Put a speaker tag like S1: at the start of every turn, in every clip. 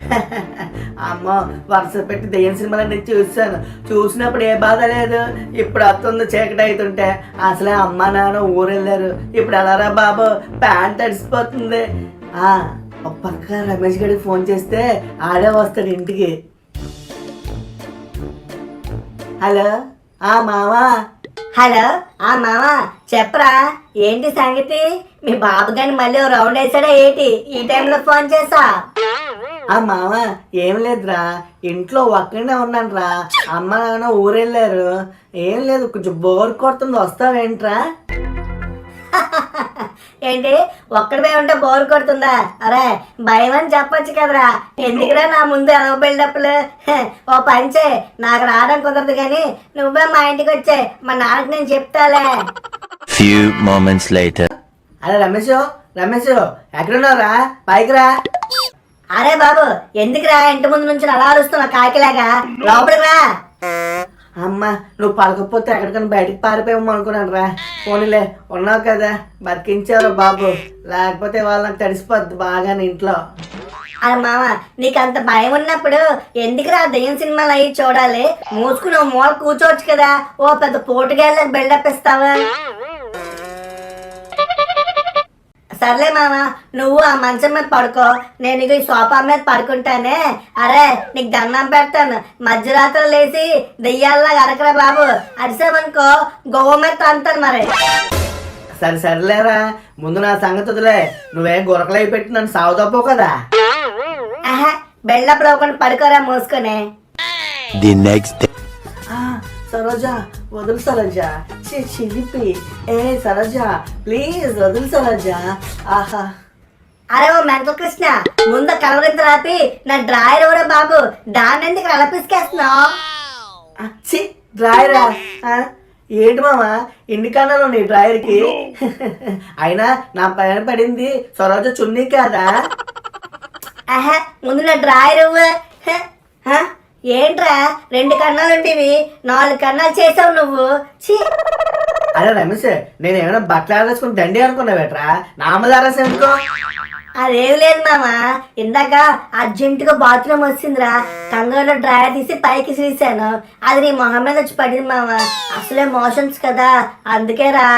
S1: అమ్మ వరుస పెట్టి దెయ్యం సినిమాలన్నీ చూసినప్పుడు ఏ బాధ లేదు. ఇప్పుడు వస్తుంది చీకటి అవుతుంటే. అసలే అమ్మ నాన్న ఊరెళ్ళారు. ఇప్పుడు ఎలారా బాబు, ప్యాంట్ తడిసిపోతుంది. ఒక పక్క రమేష్ గడికి ఫోన్ చేస్తే ఆడే వస్తాడు ఇంటికి. హలో మావా.
S2: హలో మావా, చెప్పరా ఏంటి సంగతి? మీ బాబు గాని మళ్ళీ రౌండ్ వేసాడా ఏంటి ఈ టైంలో ఫోన్ చేసా?
S1: మామ ఏం లేదురా, ఇంట్లో ఒక్కడే ఉన్నాను రా. అమ్మ నాన్న ఊరెళ్ళారు. ఏం లేదు, కొంచెం బోర్ కొడుతుంది, వస్తావేంట్రా?
S2: ఏంటి ఒక్కడిపై ఉంటే బోర్ కొడుతుందా? అరే భయం అని చెప్పొచ్చు కదరా, ఎందుకురా నా ముందు ఎలా బిల్డప్లు? ఓ పంచే, నాకు రావడం కుదరదు కానీ నువ్వే మా ఇంటికి వచ్చే, మా నాన్నకి నేను చెప్తాలే.
S3: Few moments later.
S1: అరే రమేష్ ఎక్కడున్నావురా? పైకి రా.
S2: అరే బాబు, ఎందుకురా ఇంటి ముందు నుంచి అలా అరుస్తున్నావు కాకిలాగా? లోపలికి రా.
S1: అమ్మ నువ్వు పలకపోతే ఎక్కడికైనా బయటకు పారిపోయాము అనుకున్నాను రా. పోనీలే, ఉన్నావు కదా, బతికించావు బాబు. లేకపోతే వాళ్ళు నాకు తడిసిపోద్ది బాగా ఇంట్లో.
S2: అరే మామ, నీకు అంత భయం ఉన్నప్పుడు ఎందుకురా దెయ్యం సినిమాలు అయ్యి చూడాలి? మూసుకుని మూల కూర్చోవచ్చు కదా. ఓ పెద్ద పోటుగాళ్ళకి బిల్డప్ ఇస్తావా? సర్లే మామ, నువ్వు ఆ మంచం మీద పడుకో, నేను ఈ సోఫా మీద పడుకుంటానే. అరే నీకు దండం పెడతాను, మధ్యరాత్రి లేచి దెయ్యాల్లాగా అరకరా బాబు. అరిసామనుకో గోవ మీద తంతాను మరి.
S1: సరేలేరా, ముందు నా సంగతి వదిలే. నువ్వేం గురకలై పెట్టి నన్ను సాగుతాపో కదా.
S2: బిల్డప్ లోకుండా పడుకోరా మూసుకొని.
S3: The next day.
S1: సరోజా వదులు సరోజా, చిలిపి. సరోజా ప్లీజ్ వదులు సరోజా. ఆహా.
S2: అరే ఓ మెంటల్ కృష్ణ, ముందు కలవరింత రాపి నా డ్రాయర్ ఎవరో బాబు, దాన్ని ఎందుకు అలపిసుకేస్తున్నావు?
S1: డ్రాయరా? ఏంటి మామా ఇన్ని కన్నాను నీ డ్రాయర్కి? అయినా నా పైన పడింది సరోజ చున్నీ కాదా?
S2: ముందు నా డ్రాయర్ ఏంట్రా 2 కన్నాలు ఉండేవి 4 కన్నాలు చేసావు నువ్వు.
S1: అరే రమేష్, నేను ఏమైనా బట్టలు ఆరేసుకుని దండి అనుకున్నావేట్రా? నామదారాసి అనుకో.
S2: అదేం లేదు మామ, ఇందాక అర్జెంటుగా బాత్రూమ్ వచ్చిందిరా, కంగారులో డ్రాయర్ తీసి పైకి తీసాను, అది నీ మొహం మీద వచ్చి పడింది మామ. అసలే మోషన్స్ కదా, అందుకేరా.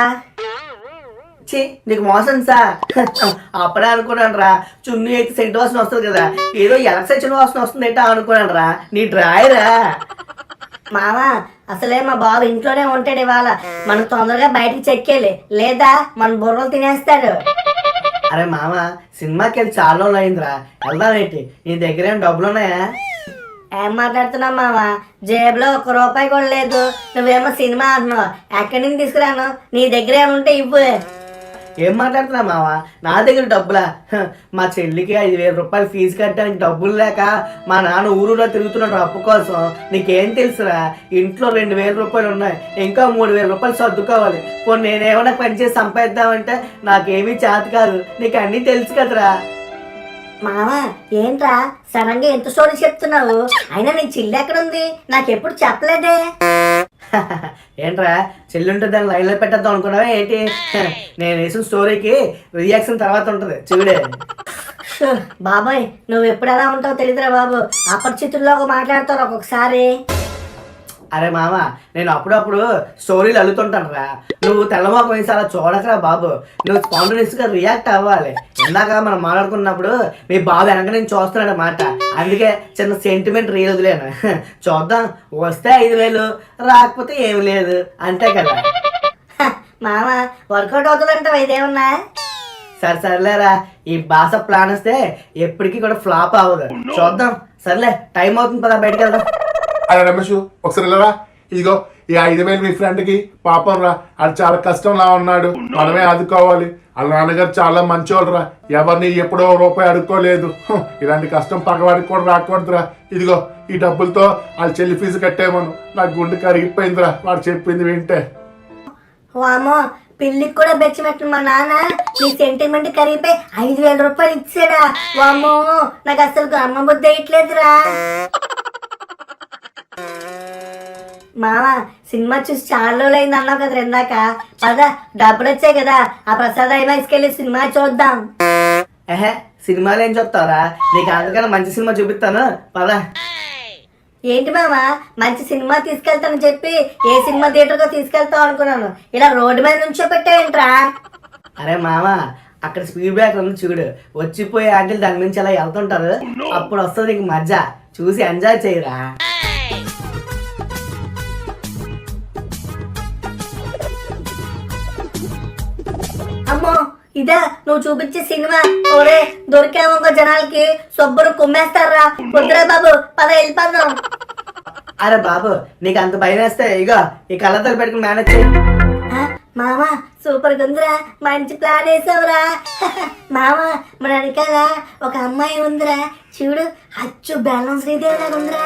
S1: నీకు మోసం సా? అప్పుడే అనుకున్నాను రా, చున్నీ అయితే సెంట్ వాసన వస్తుంది కదా, ఏదో ఎలక్సైన్ వాసన వస్తుంది ఏంటో అనుకున్నాను రా. నీ డ్రాయరా?
S2: మామ అసలే మా బాబు ఇంట్లోనే ఉంటాడు, ఇవాళ మనం తొందరగా బయటకు చెక్కేయాలి, లేదా మన బుర్రలు తినేస్తాడు.
S1: అరే మామ, సినిమాకి వెళ్ళి చాలా రోజులు అయిందిరా, వెళ్దామేంటి? నీ దగ్గర ఏం డబ్బులు ఉన్నాయా?
S2: ఏం మాట్లాడుతున్నావు మామ, జేబులో 1 రూపాయి కూడా లేదు. నువ్వేమో సినిమా అంటున్నావు, ఎక్కడి నుంచి తీసుకురాను? నీ దగ్గర ఏముంటే ఇవ్వు.
S1: ఏం మాట్లాడుతున్నా మావా, నా దగ్గర డబ్బులా? మా చెల్లికి 5,000 రూపాయలు ఫీజు కట్టడానికి డబ్బులు లేక మా నాన్న ఊరులో తిరుగుతున్నాడు అప్పు కోసం. నీకేం తెలుసురా, ఇంట్లో 2,000 రూపాయలు ఉన్నాయి, ఇంకా 3,000 రూపాయలు సర్దుకోవాలి. పోనీ నేనేమన్నా పనిచేసి సంపాదిద్దామంటే నాకేమీ చేత కాదు, నీకు అన్నీ తెలుసు కదరా.
S2: మామ ఏంట్రా సడన్ గా ఎంత స్టోరీ చెప్తున్నావు? అయినా నీ చెల్లి ఎక్కడుంది? నాకెప్పుడు చెప్పలేదే.
S1: ఏంట్రా చెల్లి ఉంటే దాన్ని లైన్లో పెట్టద్దాం అనుకున్నావా ఏంటి? నేను వేసిన స్టోరీకి రియాక్షన్ తర్వాత ఉంటుంది చూడే.
S2: బాబాయ్ నువ్వు ఎప్పుడు ఎలా ఉంటావో తెలియదురా బాబు, అపరిచితుల్లో మాట్లాడతారు ఒక్కొక్కసారి.
S1: అరే మామ, నేను అప్పుడప్పుడు స్టోరీలు అల్లుతుంటాను రా, నువ్వు తెల్లమోకం వేసి అలా చూడకరా బాబు. నువ్వు స్పాంటేనియస్గా రియాక్ట్ అవ్వాలి. ఇందాక మనం మాట్లాడుకున్నప్పుడు మీ బాబు వెనక నేను చూస్తున్నాడు అన్నమాట, అందుకే చిన్న సెంటిమెంట్ రీల్ వదిలేను. చూద్దాం, వస్తే 5,000, రాకపోతే ఏమి లేదు, అంతే కదా.
S2: మామ వర్కౌట్ అవుతుందంటావు ఇదేమన్నా?
S1: సర్లేరా, ఈ భాష ప్లాన్ వస్తే ఎప్పటికీ కూడా ఫ్లాప్ అవ్వదు, చూద్దాం. సర్లే, టైం అవుతుంది, పదా బయటకు వెళ్దాం.
S4: అరే రమేష్ ఒకసారి వెళ్ళరా, ఇదిగో ఈ 5,000 మీ ఫ్రెండ్కి పాపం రా, అది చాలా కష్టంలా ఉన్నాడు, మనమే ఆదుకోవాలి. వాళ్ళ నాన్నగారు చాలా మంచోళ్ళు రా, ఎవరిని ఎప్పుడో రూపాయి అడుక్కోలేదు. ఇలాంటి కష్టం పగవాడికి కూడా రాకూడదురా. ఇదిగో ఈ డబ్బులతో వాళ్ళ చెల్లి ఫీజు కట్టేమను. నాకు గుండె కరిగిపోయిందిరా వాడు చెప్పింది వింటే.
S2: వామో, పిల్లికి కూడా బెచ్చమెట్టు మా నాన్న నీ సెంటిమెంట్ కరిగిపోయి 5,000 రూపాయలు ఇచ్చాడా? వామో, నాకు అసలు అమ్మ బుద్ధి వేయట్లేదురా. మామ సినిమా చూసి చాలా రోజులు అయింది అన్నావు కదా ఇందాక, పద డబ్బులు వచ్చాయి కదా, ఆ ప్రసాద్ అయినా తీసుకెళ్ళి సినిమా చూద్దాం.
S1: సినిమాలు ఏం చూస్తావురా? నీకు అందుకని మంచి సినిమా చూపిస్తాను పదా.
S2: ఏంటి మామ, మంచి సినిమా తీసుకెళ్తానని చెప్పి ఏ సినిమా థియేటర్కో తీసుకెళ్తావు అనుకున్నాను, ఇలా రోడ్డు మీద నుంచో పెట్టావేంట్రా?
S1: అరే మామ, అక్కడ స్పీడ్ బ్రేకర్ ఉంది చూడు, వచ్చిపోయే ఆంటీలు దాని నుంచి అలా వెళ్తుంటారు, అప్పుడు వస్తుంది నీకు మజా, చూసి ఎంజాయ్ చేయరా.
S2: అమ్మో, ఇదా నువ్వు చూపించే సినిమా? ఓరే దొరికామో జనాలకి శుభ్రం కుమ్మేస్తారా. వద్దురా బాబు, పద వెళ్ళిపోదాం.
S1: అరే బాబు, నీకు అంత భయం వేస్తే ఇగో ఈ కళ్ళతో పెట్టుకుని మేనేజ్ చేయి.
S2: మామ సూపర్ గుందిరా, మంచి ప్లాన్ వేసావురా. మామ మన వెనకాల ఒక అమ్మాయి ఉందిరా, చూడు అచ్చు బెల్లం శ్రీదేవి లాగా ఉందిరా.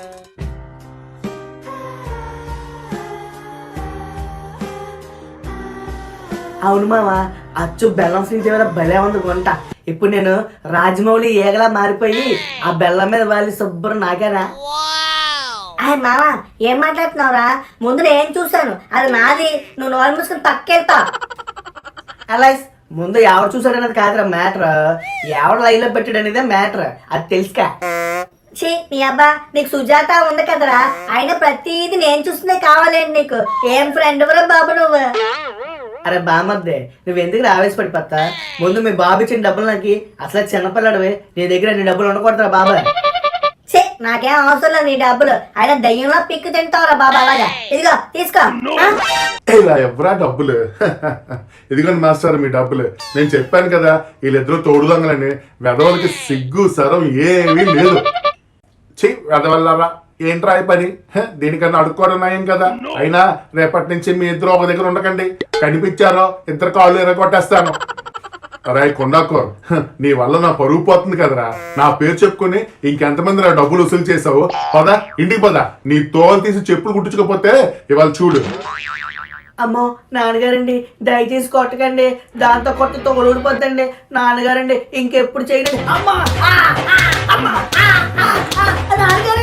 S1: అవును మామ, అచ్చు బెల్లం శ్రీదేవి భలే ఉంది గుంట. ఇప్పుడు నేను రాజమౌళి ఏగలా మారిపోయి ఆ బెల్లం మీద వాళ్ళు శుభ్రం నాకేనా?
S2: అయ్య మామ ఏం మాట్లాడుతున్నావురా? ముందు నేను చూసాను, అది నాది, నువ్వు నోరు మూసుకుని పక్కెళ్తా.
S1: అలా ముందు ఎవరు చూసాడనేది కాదురా మ్యాటర్, ఎవరు లైన్ లో పెట్టాడు అనేదే మ్యాటర్, అది తెలుసుకా.
S2: ఛీ నీ అబ్బా, నీకు సుజాత ఉంది కదరా, అయినా ప్రతిదీ నేను చూస్తుందే కావాలేంటి నీకు? ఏం ఫ్రెండ్ రా బాబు నువ్వు.
S1: అరే బామర్దే, నువ్వు ఎందుకు ఆవేశపడిపోతా? ముందు మీ బాబు ఇచ్చిన డబ్బులు నాకు అసలు చిన్నపిల్లడివి, నీ దగ్గర నీ డబ్బులు ఉండకూడదురా బాబా.
S2: ఛీ నాకేం అవసరం లేదు నీ డబ్బులు, అయినా దయ్యంలో పిక్కు తింటావురా బాబా. అలాగా ఇదిగో తీసుకో.
S4: ఇలా ఎవరా డబ్బులు? ఇదిగోండి మాస్టర్ మీ డబ్బులు. నేను చెప్పాను కదా వీళ్ళిద్దరూ తోడుదొంగలని, వెదవులకి సిగ్గు సరం ఏమీ లేదు. ఛీ వెదవల్లారా, ఏంట్రా ఈ పని? దీనికన్నా అడుక్కోవడం నయం కదా. అయినా రేపటి నుంచి మీ ఇద్దరు ఒక దగ్గర ఉండకండి, కనిపించారో ఇద్దరు కాళ్ళు ఎరగొట్టేస్తాను. అరే కొండాకో, నీ వల్ల నా పరుగు పోతుంది కదరా. నా పేరు చెప్పుకుని ఇంకెంతమంది నా డబ్బులు వసూలు చేసావు? పదా ఇంటికి పదా, నీ తోలు తీసి చెప్పులు కుట్టించుకోపోతే ఇవాళ చూడు.
S1: అమ్మో నాన్నగారండి, దయచేసి కొట్టకండి, దాంతో కొట్ట తోడు ఊడిపోద్దండి. నాన్నగారండి ఇంకెప్పుడు చేయలేదు. అమ్మా
S2: నాన్నగారు